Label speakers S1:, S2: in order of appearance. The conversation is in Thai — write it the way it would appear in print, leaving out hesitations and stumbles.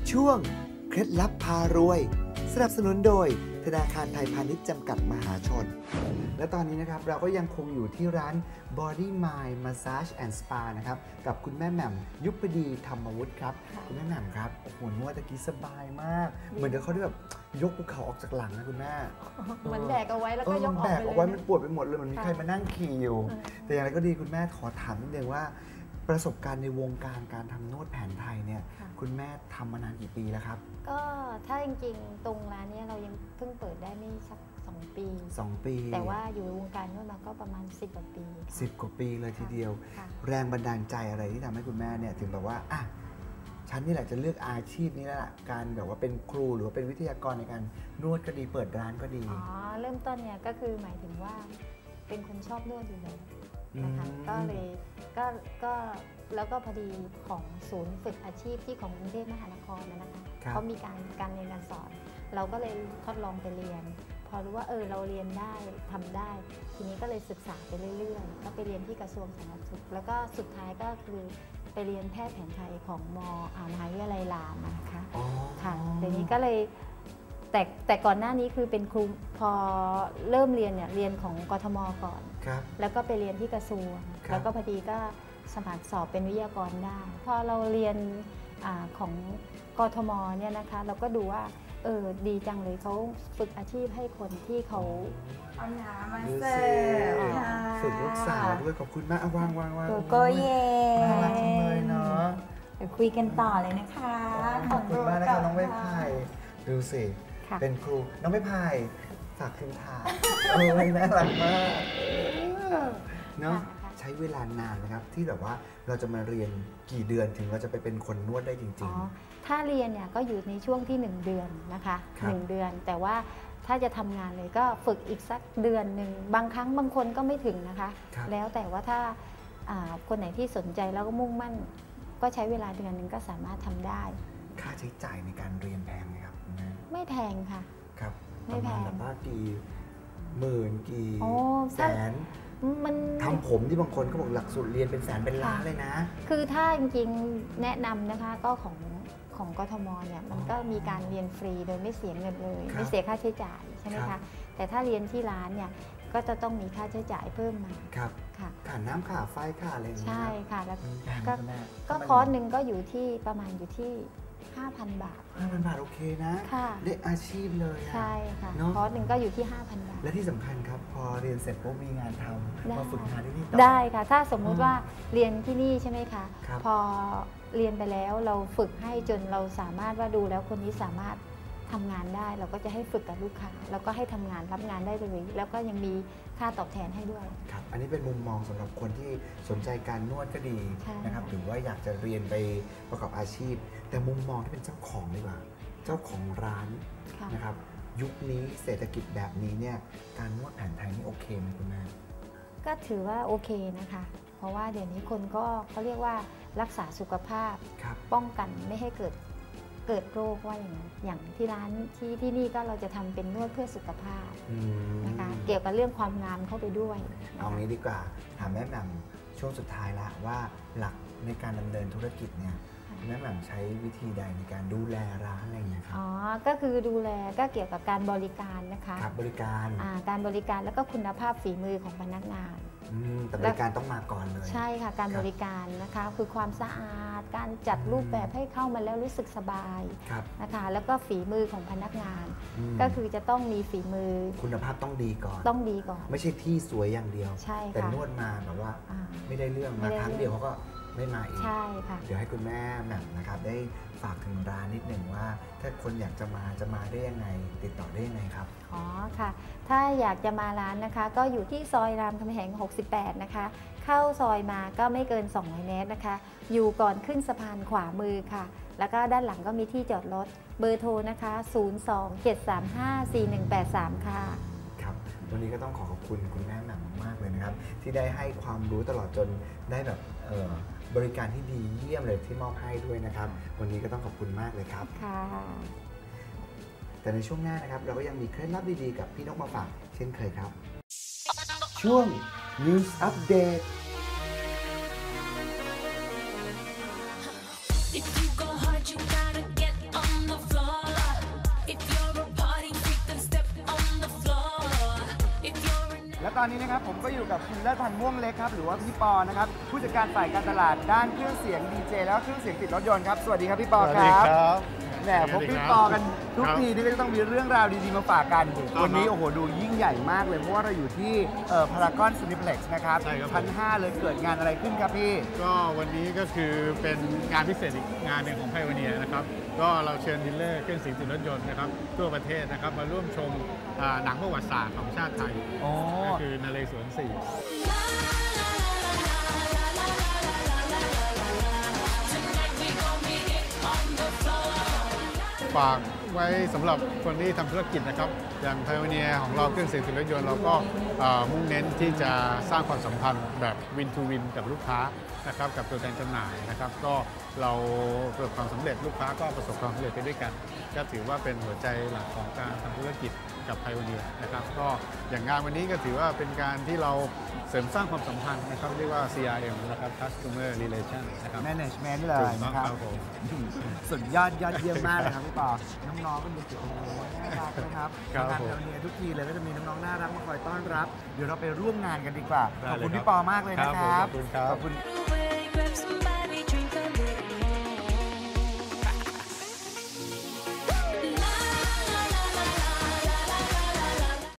S1: ช่วงเคล็ดลับพารวยสนับสนุนโดยธนาคารไทยพาณิชย์จำกัดมหาชนและตอนนี้นะครับเราก็ยังคงอยู่ที่ร้าน Body Mind Massage and Spa นะครับกับคุณแม่แหม่มยุพดีธรรมวุฒิครับคุณแม่แหม่มครับโอ้โหนวดตะกี้สบายมากเหมือนเดี๋ยวเขาได้แบบยกภูเขาออกจากหลังนะคุณแม่
S2: เหมือนแบกเอาไว้แล้วก็ยกออกไปเลย
S1: แบกเอาไว้มันปวดไปหมดเลยเหมือนมีใครมานั่งขี่อยู่แต่อย่างไรก็ดีคุณแม่ขอถามนิดนึงว่าประสบการณ์ในวงการการทำนวดแผนไทยเนี่ยคุณแม่ทำมานานกี่ปีแล้วครับ
S2: ก็ถ้าจริงๆตรงร้านนี้เรายังเพิ่งเปิดได้ไม่สัก2 ปี
S1: 2 ปี
S2: แต่ว่าอยู่ในวงการนวดมาก็ประมาณ10 กว่าปี
S1: 10 กว่าปีเลยทีเดียวแรงบันดาลใจอะไรที่ทำให้คุณแม่เนี่ยถึงแบบว่าอ่ะฉันนี่แหละจะเลือกอาชีพนี้แล้วล่ะการแบบว่าเป็นครูหรือว่าเป็นวิทยากรในการนวดก็ดีเปิดร้านก็ดี
S2: เริ่มต้นเนี่ยก็คือหมายถึงว่าเป็นคนชอบนวดอยู่แล้วนะคะก็เลยก็แล้วก็พอดีของศูนย์ฝึกอาชีพที่ของกรุงเทพมหานครนะคะเขามีการเรียนการสอนเราก็เลยทดลองไปเรียนพอรู้ว่าเราเรียนได้ทำได้ทีนี้ก็เลยศึกษาไปเรื่อยๆก็ไปเรียนที่กระทรวงสาธารณสุขแล้วก็สุดท้ายก็คือไปเรียนแพทย์แผนไทยของมหาวิทยาลัยรามนะคะค่ะทีนี้ก็เลยแต่ก่อนหน้านี้คือเป็นครูพอเริ่มเรียนเนี่ยเรียนของกทมก่อนแล้วก็ไปเรียนที่กระทรวงแล้วก็พอดีก็สมัครสอบเป็นวิทยากรได้พอเราเรียนของกทมเนี่ยนะคะเราก็ดูว่าดีจังเลยเขาฝึกอาชีพให้คนที่เขา
S3: เอาน้ำมาเสิร์ฟ
S1: ฝึกลูกสาวด้วยขอบคุณมากวาง
S3: โกเย่
S1: น่ารักจังเลยเนาะ
S3: เดี๋ยวคุยกันต่อเลยนะคะ
S1: ขอบคุณมากนะคะน้องใบพายดูสิเป็นครูน้องใบพายฝากคืนถ่ายน่ารักมากเนาะใช้เวลานานนะครับที่แบบว่าเราจะมาเรียนกี่เดือนถึงเราจะไปเป็นคนนวดได้จริง
S2: ๆถ้าเรียนเนี่ยก็อยู่ในช่วงที่1 เดือนนะคะ1 เดือนแต่ว่าถ้าจะทำงานเลยก็ฝึกอีกสักเดือนหนึ่งบางครั้งบางคนก็ไม่ถึงนะคะแล้วแต่ว่าถ้าคนไหนที่สนใจแล้วก็มุ่งมั่นก็ใช้เวลาเดือนหนึ่งก็สามารถทำได้
S1: ค่าใช้จ่ายในการเรียนแพงไหมครับ
S2: ไม่แพงค่ะ
S1: ครับไม่แพงแบบว่ากี่หมื่นกี่แสน
S2: มัน
S1: ทำผมที่บางคนเขาบอกหลักสูตรเรียนเป็นแสนเป็นล้านเลยนะ
S2: คือถ้าจริงๆแนะนำนะคะก็ของกทมเนี่ยมันก็มีการเรียนฟรีโดยไม่เสียเงินเลยไม่เสียค่าใช้จ่ายใช่ไหมคะแต่ถ้าเรียนที่ร้านเนี่ยก็จะต้องมีค่าใช้จ่ายเพิ่มมา
S1: ครับค่าน้ำค่าไฟค่าอะไรอย่างเงี้ย
S2: ใช่ค่ะแล้วก็คอร์สหนึ่งก็อยู่ที่ประมาณอยู่ที่5,000 บาท
S1: 5,000 บาทโอเคนะได้อาชีพเลย
S2: ใช่ค่ะคอร์สหนึ่งก็อยู่ที่5,000 บาท
S1: และที่สำคัญครับพอเรียนเสร็จปุ๊บมีงานทำมาฝึกงานที่นี่ต่อ
S2: ได้ค่ะถ้าสมมุติว่าเรียนที่นี่ใช่ไหมคะพอเรียนไปแล้วเราฝึกให้จนเราสามารถว่าดูแล้วคนนี้สามารถทำงานได้เราก็จะให้ฝึกกับลูกค้าแล้วก็ให้ทำงานรับงานได้เลยแล้วก็ยังมีค่าตอบแทนให้ด้วย
S1: ครับอันนี้เป็นมุมมองสำหรับคนที่สนใจการนวดก็ดีนะครับหรือว่าอยากจะเรียนไปประกอบอาชีพแต่มุมมองที่เป็นเจ้าของดีกว่าเจ้าของร้านนะครับยุคนี้เศรษฐกิจแบบนี้เนี่ยการนวดแผนไทยนี่โอเคไหมคุณแม่
S2: ก็ถือว่าโอเคนะคะเพราะว่าเดี๋ยวนี้คนก็เขาเรียกว่ารักษาสุขภาพป้องกันไม่ให้เกิดโรคว่าอย่างที่ร้านที่นี่ก็เราจะทำเป็นนวดเพื่อสุขภาพนะคะเกี่ยวกับเรื่องความงามเข้าไปด้วย
S1: เอางี้ดีกว่าถามแม่แหม่มช่วงสุดท้ายละว่าหลักในการดำเนินธุรกิจเนี่ยแม่แหม่มใช้วิธีใดในการดูแลร้านอะไรอย่างเงี้ยครับ
S2: ก็คือดูแลก็เกี่ยวกับการบริการนะคะ
S1: บริการ
S2: การบริการแล้วก็คุณภาพฝีมือของพนักงาน
S1: แต่บริการต้องมาก่อนเลย
S2: ใช่ค่ะการบริการนะคะคือความสะอาดการจัดรูปแบบให้เข้ามาแล้วรู้สึกสบายนะคะแล้วก็ฝีมือของพนักงานก็คือจะต้องมีฝีมือ
S1: คุณภาพต้องดีก่อนไม่ใช่ที่สวยอย่างเดียวแต่นวดมาแบบว่าไม่ได้เรื่องมาครั้งเดียวเขาก็ไม่มาอีก
S2: ใช่ค่ะ
S1: เดี๋ยวให้คุณแม่แหม่มนะครับได้ฝากถึงร้านนิดหนึ่งว่าถ้าคนอยากจะมาได้ยังไงติดต่อได้ยังไงครับ
S2: ค่ะถ้าอยากจะมาร้านนะคะก็อยู่ที่ซอยรามคำแหง68นะคะเข้าซอยมาก็ไม่เกิน200 เมตรนะคะอยู่ก่อนขึ้นสะพานขวามือค่ะแล้วก็ด้านหลังก็มีที่จอดรถเบอร์โทรนะคะ027354183ค่ะ
S1: ครับวันนี้ก็ต้องขอบคุณคุณแม่แหม่มมากเลยนะครับที่ได้ให้ความรู้ตลอดจนได้แบบบริการที่ดีเยี่ยมเลยที่มอบให้ด้วยนะครับวันนี้ก็ต้องขอบคุณมากเลยครับ
S2: ค่ะ
S1: แต่ในช่วงหน้านะครับเราก็ยังมีเคล็ดลับดีๆกับพี่นกมาฝากเช่นเคยครับช่วง News Update
S4: If you go hard, you gotta get on
S1: ตอนนี้นะครับผมก็อยู่กับคุณเลิศพันธ์ม่วงเล็กครับหรือว่าพี่ปอนะครับผู้จัดการฝ่ายการตลาดด้านเครื่องเสียงดีเจแล้วก็เครื่องเสียงติดรถยนต์ครับสวัสดีครับพี่ปอครับแหมพบพี่ปอกันทุกทีนี่ก็จะต้องมีเรื่องราวดีๆมาฝากกันวันนี้โอ้โหดูยิ่งใหญ่มากเลยเพราะว่าเราอยู่ที่พารากอนซินิเพล็กซ์นะครับชั้น 5 เลยเกิดงานอะไรขึ้นครับพี่
S4: ก็วันนี้ก็คือเป็นงานพิเศษอีกงานหนึ่งของไพโอเนียนะครับก็เราเชิญดีลเลอร์เครื่องเสียงติดรถยนต์นะครับทั่วประเทศนะครับมาร่วมชมหนังประวัติศาสตร์ของชาติไทยก็คือนเรศวร4ฝากไว้สำหรับคนที่ทำธุรกิจนะครับอย่างไพโอเนียของเราเครื่องเสียงติดรถยนต์เราก็มุ่งเน้นที่จะสร้างความสัมพันธ์แบบวินทูวินกับลูกค้านะครับกับตัวแทนจำหน่ายนะครับก็เราประสบความสำเร็จลูกค้าก็ประสบความสำเร็จไปด้วยกันก็ถือว่าเป็นหัวใจหลักของการทำธุรกิจกับไพโอเนียนะครับก็อย่างงานวันนี้ก็ถือว่าเป็นการที่เราเสริมสร้างความสัมพันธ์นะครับเรียกว่า CRM นะครับ Customer Relation นะครับ
S1: Management เลยนะครับ
S4: ผม
S1: สุดยอดเยี่ยมมากเลยครับพี่ปอน้องๆก็ดูสิโอ้โหน่ารักนะครับงานไพโอเนียทุกทีเลยก็จะมีน้องๆน่ารักมาคอยต้อนรับเดี๋ยวเราไปร่วมงานกันดีกว่าขอบคุณพี่ปอมากเลยนะครับ
S4: ขอบคุณครับ